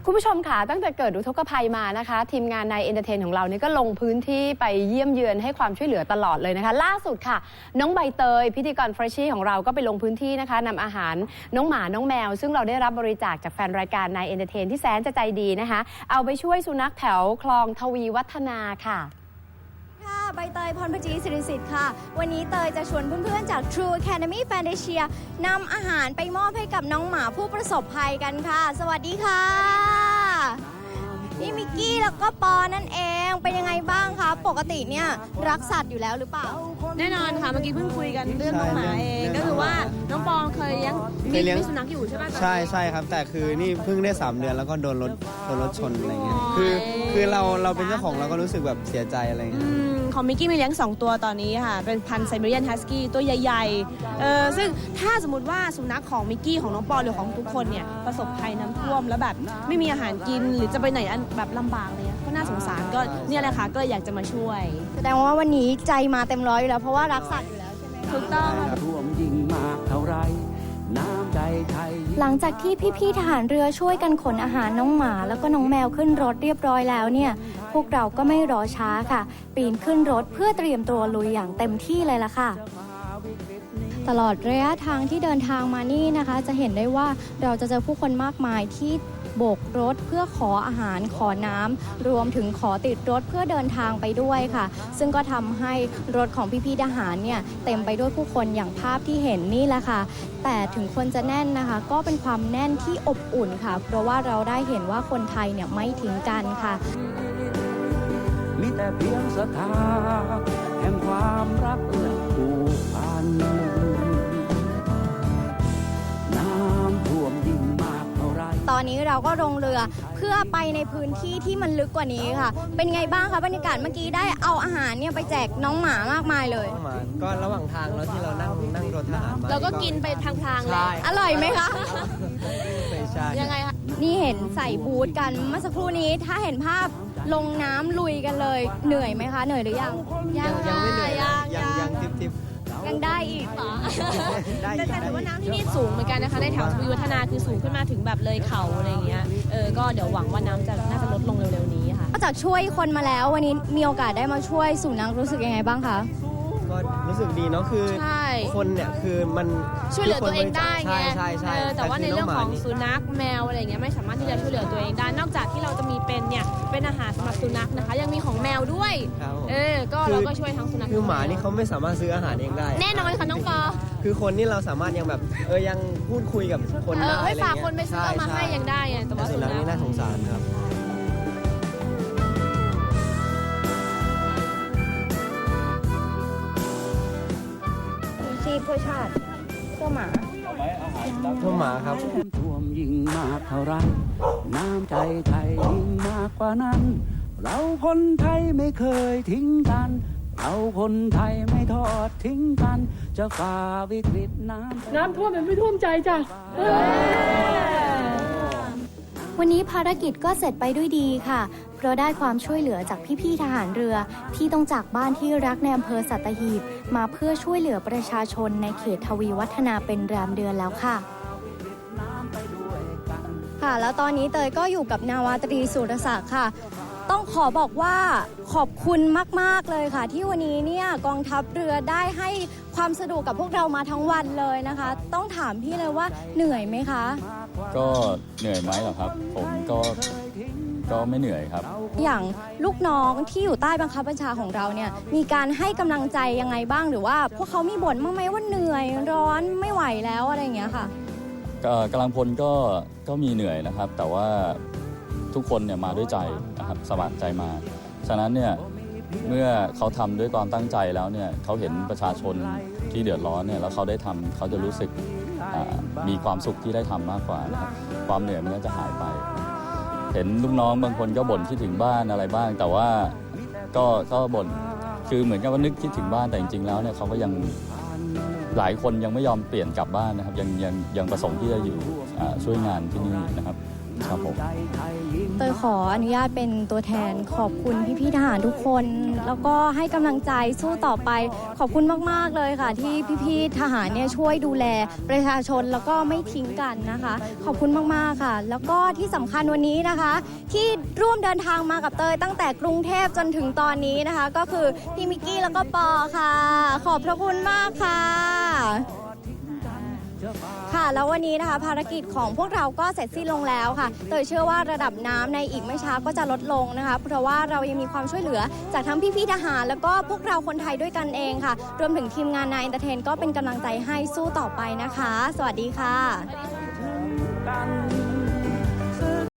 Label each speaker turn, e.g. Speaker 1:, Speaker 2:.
Speaker 1: คุณผู้ชมค่ะตั้งแต่เกิดอุทกภัยมานะคะทีมงานในเอนเตอร์เทนของเรานี่ก็ลงพื้นที่ไปเยี่ยมเยือนให้ความช่วยเหลือตลอดเลยนะคะล่าสุดค่ะน้องใบเตยพิธีกรเฟรชชี่ของเราก็ไปลงพื้นที่นะคะนำอาหารน้องหมาน้องแมวซึ่งเราได้รับบริจาคจากแฟนรายการในเอนเตอร์เทนที่แสนจะใจดีนะคะเอาไปช่วยสุนัขแถวคลองทวีวัฒนาค่ะ
Speaker 2: ใบเตยพรพจีสิริสิทธิ์ค่ะวันนี้เตยจะชวนเพื่อนๆจาก True Academy Fantasia นำอาหารไปมอบให้กับน้องหมาผู้ประสบภัยกันค่ะสวัสดีค่ะนี่มิกกี้แล้วก็ปอนั่นเองเป็นยังไงบ้างคะปกติเนี่ยรักสัตว์อยู่แล้วหรือเปล่า
Speaker 3: แน่นอนค่ะเมื่อกี้เพิ่งคุยกันเรื่องน้องหมาเองก็คือว่าน้องปองเคยเลี้ยงสุนัขอยู่ใช่ไหม
Speaker 4: ใช่ครับแต่คือนี่เพิ่งได้3 เดือนแล้วก็โดนรถชนอะไรเงี้ยคือเราเป็นเจ้าของเราก็รู้สึกแบบเสียใจอะไรเงี้ย
Speaker 3: ของมิกกี้มีเลี้ยง2 ตัวตอนนี้ค่ะเป็นพันธุ์ไซบีเรียนฮัสกี้ตัวใหญ่ๆซึ่งถ้าสมมติว่าสุนัขของมิกกี้ของน้องปอหรือของทุกคนเนี่ยประสบภัยน้ำท่วมแล้วแบบไม่มีอาหารกินหรือจะไปไหนแบบลำบากเลยก็น่าสงสารก็เนี่ยแหละค่ะก็อยากจะมาช่วย
Speaker 2: แสดงว่าวันนี้ใจมาเต็มร้อยอยู่แล้วเพราะว่ารักสัตว์อยู่แล้วใช่ไหม
Speaker 3: ถูกต้อง
Speaker 5: ท่วมยิ่งมากเท่าไรน้ำใจไทย
Speaker 2: หลังจากที่พี่ๆทหารเรือช่วยกันขนอาหารน้องหมาแล้วก็น้องแมวขึ้นรถเรียบร้อยแล้วเนี่ยพวกเราก็ไม่รอช้าค่ะปีนขึ้นรถเพื่อเตรียมตัวลุยอย่างเต็มที่เลยล่ะค่ะตลอดระยะทางที่เดินทางมานี่นะคะจะเห็นได้ว่าเราจะเจอผู้คนมากมายที่โบกรถเพื่อขออาหารขอน้ำรวมถึงขอติดรถเพื่อเดินทางไปด้วยค่ะซึ่งก็ทำให้รถของพี่ๆทหารเนี่ยเต็มไปด้วยผู้คนอย่างภาพที่เห็นนี่แหละค่ะแต่ถึงคนจะแน่นนะคะก็เป็นความแน่นที่อบอุ่นค่ะเพราะว่าเราได้เห็นว่าคนไทยเนี่ยไม่ทิ้งกันค่ะ
Speaker 5: มีแต่เพียงศรัทธาแห่งความรักและผูกพันน้ำท่วมยิ่งมากเท่าไร
Speaker 2: ตอนนี้เราก็ลงเรือเพื่อไปในพื้นที่ที่มันลึกกว่านี้ค่ะเป็นไงบ้างคะบรรยากาศเมื่อกี้ได้เอาอาหารเนี่ยไปแจกน้องหมามากมายเลย
Speaker 4: ก็ระหว่างทางแล้วที่เรานั่งรถทหารมา
Speaker 3: เราก็กินไปทางๆเลย
Speaker 2: อร่อยไหมคะ
Speaker 4: ไม่ใช่
Speaker 3: ยังไงคะ
Speaker 2: นี่เห็นใส่บูทกันเมื่อสักครู่นี้ถ้าเห็นภาพลงน้ำลุยกันเลยเหนื่อยไหมคะเหนื่อยหรือยัง
Speaker 4: ยังไม่เหนื่อยยังทิป
Speaker 2: ยังได้อีกเหรอ
Speaker 3: แต่ถือว่าน้ำที่นี่สูงเหมือนกันนะคะในแถวทวีวัฒนาคือสูงขึ้นมาถึงแบบเลยเขาอะไรอย่างเงี้ยก็เดี๋ยวหวังว่าน้ำน่าจะลดลงเร็วๆนี้ค่ะ
Speaker 2: นอกจากช่วยคนมาแล้ววันนี้มีโอกาสได้มาช่วยสุนัขรู้สึกยังไงบ้างคะ
Speaker 4: ก็รู้สึกดีเนาะคือคนเนี่ยคือมัน
Speaker 3: ช่วยเหลือตัวเองได้ไง
Speaker 4: ใช่
Speaker 3: แต่ว่าในเรื่องของสุนัขแมวอะไรเงี้ยไม่สามารถที่จะช่วยเหลือตัวเองได้นอกจากที่เราจะมีเป็นอาหารสำหรับสุนัขนะคะยังมีของแมวด้วยก็เราก็ช่วยทั้งสุนัข
Speaker 4: คือหมานี่เขาไม่สามารถซื้ออาหารเองได้
Speaker 3: แน่นอนค่ะน้องปอ
Speaker 4: คือคนนี่เราสามารถยังแบบยังพูดคุยกับคนได้
Speaker 3: ให้ฝากคนไปซื้อมาให้ยังได้แต่ว่า
Speaker 4: สุนัขนี่น่าสงสารครับ
Speaker 2: เพื่อชาติเพื่อหมา
Speaker 4: เพื่อหมาครับ
Speaker 5: ท่วมยิ่งมากเท่าไรน้ำใจไทยยิ่งมากกว่านั้นเราคนไทยไม่เคยทิ้งกันเราคนไทยไม่ทอดทิ้งกันจะฝ่าวิกฤตน้ำ
Speaker 3: ท่วมมันไม่ท่วมใจจ้ะ
Speaker 2: วันนี้ภารกิจก็เสร็จไปด้วยดีค่ะเพราะได้ความช่วยเหลือจากพี่ๆทหารเรือที่ต้องจากบ้านที่รักในอำเภอสัตหีบมาเพื่อช่วยเหลือประชาชนในเขตทวีวัฒนาเป็นแรมเดือนแล้วค่ะแล้วตอนนี้เตยก็อยู่กับนาวาตรีสุรศักดิ์ค่ะต้องขอบอกว่าขอบคุณมากๆเลยค่ะที่วันนี้เนี่ยกองทัพเรือได้ให้ความสะดวกกับพวกเรามาทั้งวันเลยนะคะต้องถามพี่เลยว่าเหนื่อยไหมคะ
Speaker 6: ก็เหนื่อยไหมหรอครับผมก็ไม่เหนื่อยครับ
Speaker 2: อย่างลูกน้องที่อยู่ใต้บังคับบัญชาของเราเนี่ยมีการให้กำลังใจยังไงบ้างหรือว่าพวกเขามีบ่นบ้างไหมว่าเหนื่อยร้อนไม่ไหวแล้วอะไรอย่างเงี้ยค่ะ
Speaker 6: กำลังพลก็มีเหนื่อยนะครับแต่ว่าทุกคนเนี่ยมาด้วยใจนะครับสมัครใจมาฉะนั้นเนี่ยเมื่อเขาทำด้วยความตั้งใจแล้วเนี่ยเขาเห็นประชาชนที่เดือดร้อนเนี่ยแล้วเขาได้ทำเขาจะรู้สึกมีความสุขที่ได้ทำมากกว่านะครับความเหนื่อยมันก็จะหายไปเห็นลูกน้องบางคนก็บ่นคิดถึงบ้านอะไรบ้างแต่ว่าก็บ่นคือเหมือนกับว่านึกคิดถึงบ้านแต่จริงๆแล้วเนี่ยเขาก็ยังหลายคนยังไม่ยอมเปลี่ยนกลับบ้านนะครับยังประสงค์ที่จะอยู่ช่วยงานที่นี่นะครับครับผม
Speaker 2: เตยขออนุญาตเป็นตัวแทนขอบคุณพี่ๆทหารทุกคน แล้วก็ให้กำลังใจสู้ต่อไปขอบคุณมากๆเลยค่ะ ที่พี่ๆทหารเนี่ยช่วยดูแลประชาชนแล้วก็ไม่ทิ้งกันนะคะ ขอบคุณมากๆค่ะ แล้วก็ที่สำคัญวันนี้นะคะ ที่ร่วมเดินทางมากับเตยตั้งแต่กรุงเทพจนถึงตอนนี้นะคะ ก็คือพี่มิกกี้แล้วก็ปอค่ะ ขอบพระคุณมากค่ะ ค่ะแล้ววันนี้นะคะภารกิจของพวกเราก็เสร็จสิ้นลงแล้วค่ะเตยเชื่อว่าระดับน้ำในอีกไม่ช้าก็จะลดลงนะคะเพราะว่าเรายังมีความช่วยเหลือจากทั้งพี่ๆทหารแล้วก็พวกเราคนไทยด้วยกันเองค่ะรวมถึงทีมงานนายเอนเตอร์เทนก็เป็นกำลังใจให้สู้ต่อไปนะคะ สวัสดีค่ะ
Speaker 5: กัน